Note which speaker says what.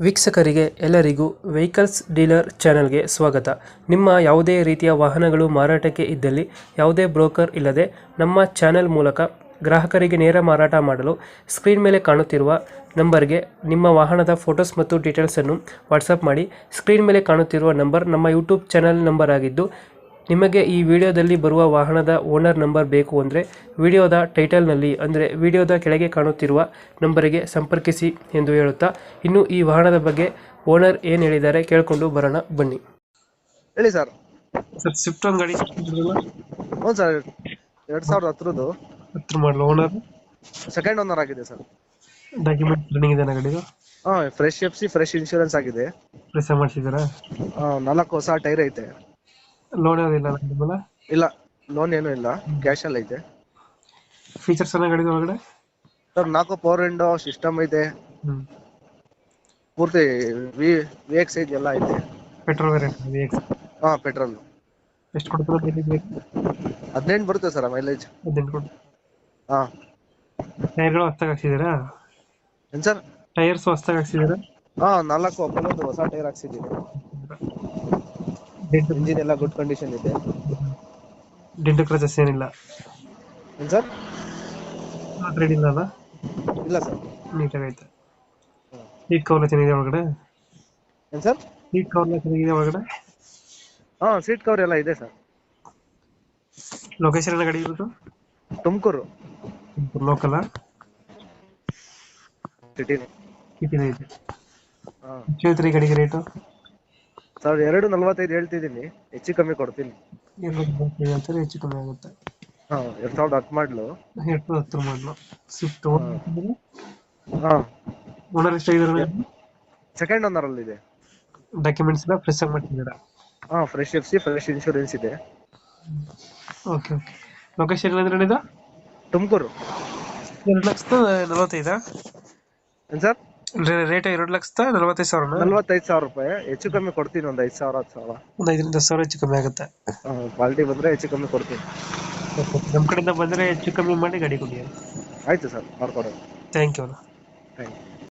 Speaker 1: ವೀಕ್ಷಕರಿಗೆ ಎಲ್ಲರಿಗೂ vehicles dealer ಚಾನೆಲ್ಗೆ ಸ್ವಾಗತ. ನಿಮ್ಮ ಯಾವುದೇ ರೀತಿಯ ವಾಹನಗಳು ಮಾರಾಟಕ್ಕೆ ಇದ್ದಲ್ಲಿ ಯಾವುದೇ ಬ್ರೋಕರ್ ಇಲ್ಲದೆ ನಮ್ಮ ಚಾನೆಲ್ ಮೂಲಕ ಗ್ರಾಹಕರಿಗೆ ನೇರ ಮಾರಾಟ ಮಾಡಲು ಸ್ಕ್ರೀನ್ ಮೇಲೆ ಕಾಣುತ್ತಿರುವ ನಂಬರ್ಗೆ ನಿಮ್ಮ ವಾಹನದ ಫೋಟೋಸ್ ಮತ್ತು ಡೀಟೇಲ್ಸನ್ನು ವಾಟ್ಸಪ್ ಮಾಡಿ. ಸ್ಕ್ರೀನ್ ಮೇಲೆ ಕಾಣುತ್ತಿರುವ ನಂಬರ್ ನಮ್ಮ ಯೂಟ್ಯೂಬ್ ಚಾನೆಲ್ ನಂಬರ್ ಆಗಿದ್ದು, ನಿಮಗೆ ಈ ವಿಡಿಯೋದಲ್ಲಿ ಬರುವ ವಾಹನದ ಓನರ್ ನಂಬರ್ ಬೇಕು ಅಂದರೆ ವಿಡಿಯೋದ ಟೈಟಲ್ನಲ್ಲಿ ಅಂದರೆ ವಿಡಿಯೋದ ಕೆಳಗೆ ಕಾಣುತ್ತಿರುವ ನಂಬರಿಗೆ ಸಂಪರ್ಕಿಸಿ ಎಂದು ಹೇಳುತ್ತಾ, ಇನ್ನು ಈ ವಾಹನದ ಬಗ್ಗೆ ಓನರ್ ಏನು ಹೇಳಿದ್ದಾರೆ ಕೇಳಿಕೊಂಡು ಬರೋಣ ಬನ್ನಿ.
Speaker 2: ಹೇಳಿ ಸರ್.
Speaker 1: ಸರ್, ಸ್ವಿಫ್ಟ್ ಒಂದು ಗಾಡಿ
Speaker 2: ಹ್ಞೂ ಸರ್, 2010
Speaker 1: ಹತ್ರ ಮಾಡಲು ಓನರ್
Speaker 2: ಸೆಕೆಂಡ್ ಓನರ್ ಆಗಿದೆ ಸರ್.
Speaker 1: ಡಾಕ್ಯುಮೆಂಟ್ ರನ್ನಿಂಗ್ ಇದೆ ಗಾಡಿದು?
Speaker 2: ಹಾಂ, ಫ್ರೆಶ್ ಎಫ್ಸಿ, ಫ್ರೆಶ್ ಇನ್ಶೂರೆನ್ಸ್ ಆಗಿದೆ.
Speaker 1: ಪ್ರೆಸ್ ಮಾಡಿಸಿದಾರಾ?
Speaker 2: 4 ಹೊಸ ಟೈರ್ ಐತೆ.
Speaker 1: ಲೋನ್ ಯಾವುದಿಲ್ಲ?
Speaker 2: ಇಲ್ಲ, ಲೋನ್ ಏನೂ ಇಲ್ಲ, ಕ್ಯಾಶ್ ಅಲ್ಲಿ ಐತೆ.
Speaker 1: ಫೀಚರ್ಸ್ ಎಲ್ಲ ಗಾಡಿದ ಒಳಗಡೆ
Speaker 2: ಸರ್ 4 ಪವರ್ ವಿಂಡೋ ಸಿಸ್ಟಮ್ ಐತೆ. ಪೂರ್ತಿ VX ಎಲ್ಲ ಐತೆ.
Speaker 1: Petrol variant?
Speaker 2: ಹಾಂ, ಪೆಟ್ರೋಲ್.
Speaker 1: ಎಷ್ಟು ಕೊಡ್ತಾರೆ?
Speaker 2: 18 ಬರುತ್ತೆ ಸರ್ ಮೈಲೇಜ್.
Speaker 1: 18 ಕೊಡ್ತಾರೆ.
Speaker 2: ಹಾಂ.
Speaker 1: ಟೈರ್ಗಳು ಹೊಸ್ತಾಗಿ ಹಾಕ್ಸಿದ್ದೀರಾ?
Speaker 2: ಏನು ಸರ್?
Speaker 1: ಟೈರ್ಸ್ ಹೊಸ್ತಾಗಿ ಹಾಕ್ಸಿದ್ದೀರಾ?
Speaker 2: ಹಾಂ, 4 ಅಪೋಲೋದು ಹೊಸ ಟೈರ್ ಹಾಕ್ಸಿದ್ದೀನಿ. ಇಂಜಿನ್ ಎಲ್ಲ ಗುಡ್ ಕಂಡೀಷನ್ ಇದೆ.
Speaker 1: ಡೆಂಟು ಕ್ರಚಸ್ ಏನಿಲ್ಲ?
Speaker 2: ಏನು ಸರ್?
Speaker 1: ರೆಡಿ ಇಲ್ಲ ಅಲ್ಲ?
Speaker 2: ಇಲ್ಲ ಸರ್,
Speaker 1: ನೀಟಾಗೈತೆ. ಸೀಟ್ ಕವರ್ ಚೆನ್ನಾಗಿದೆ ಒಳಗಡೆ?
Speaker 2: ಏನು ಸರ್?
Speaker 1: ಸೀಟ್ ಕವರ್ ಚೆನ್ನಾಗಿದೆ ಒಳಗಡೆ?
Speaker 2: ಹಾಂ, ಸೀಟ್ ಕವರ್ ಎಲ್ಲ ಇದೆ ಸರ್.
Speaker 1: ಲೊಕೇಶನ್ ಎಲ್ಲ ಗಾಡಿ ಇರೋದು?
Speaker 2: Tumakuru
Speaker 1: local
Speaker 2: city.
Speaker 1: ಸಿಟಿನ ಇದೆ.
Speaker 2: ಹಾಂ
Speaker 1: ಹೇಳ್ತೀರಿ ಗಾಡಿಗೆ ರೇಟು?
Speaker 2: ಸರ್ 245 ಹೇಳ್ತಿದ್ದೀನಿ, ಹೆಚ್ಚು ಕಮ್ಮಿ ಕೊಡ್ತೀನಿ.
Speaker 1: ಹೇಳ್ತಾರೆ, ಹೆಚ್ಚು ಕಮ್ಮಿ ಆಗುತ್ತೆ.
Speaker 2: ಹಾಂ, 2010 ಮಾಡಲು.
Speaker 1: 2010 ಮಾಡಲು ಸ್ವಿಫ್ಟ್.
Speaker 2: ಹಾಂ,
Speaker 1: ಓನರ್ ಎಷ್ಟಾಗಿದ್ದಾರೆ?
Speaker 2: ಸೆಕೆಂಡ್ ಓನರ್ ಅಲ್ಲಿ ಇದೆ.
Speaker 1: ಡಾಕ್ಯುಮೆಂಟ್ಸ್ ಎಲ್ಲ ಫ್ರೆಶ್ ಆಗಿ ಮಾಡ್ತಿದ್ದೀರಾ?
Speaker 2: ಹಾಂ, ಫ್ರೆಶ್ ಎಫ್ಸಿ, ಫ್ರೆಶ್ ಇನ್ಶೂರೆನ್ಸ್ ಇದೆ.
Speaker 1: Okay okay. ಲೊಕೇಶನ್ ಅಂದ್ರೆ ಇದು
Speaker 2: ತುಮಕೂರು.
Speaker 1: 2,45,000?
Speaker 2: ಏನು ಸರ್?
Speaker 1: ರೇಟ್ 2,45,000?
Speaker 2: 45,000 ರೂಪಾಯಿ. ಹೆಚ್ಚು ಕಮ್ಮಿ ಕೊಡ್ತೀನಿ, ಒಂದು 5,000 10,000.
Speaker 1: ಒಂದು 5,000-10,000 ಹೆಚ್ಚು ಕಮ್ಮಿ ಆಗುತ್ತೆ.
Speaker 2: ಹಾಂ, ಕ್ವಾಲಿಟಿ ಬಂದರೆ ಹೆಚ್ಚು ಕಮ್ಮಿ ಕೊಡ್ತೀನಿ.
Speaker 1: ನಮ್ಮ ಕಡೆಯಿಂದ ಬಂದರೆ ಹೆಚ್ಚು ಕಮ್ಮಿ ಮಾಡಿ ಗಾಡಿ ಕೊಡಿ.
Speaker 2: ಆಯಿತು ಸರ್, ಮಾಡ್ಕೊಡೋಣ.
Speaker 1: Thank you.
Speaker 2: Thank you.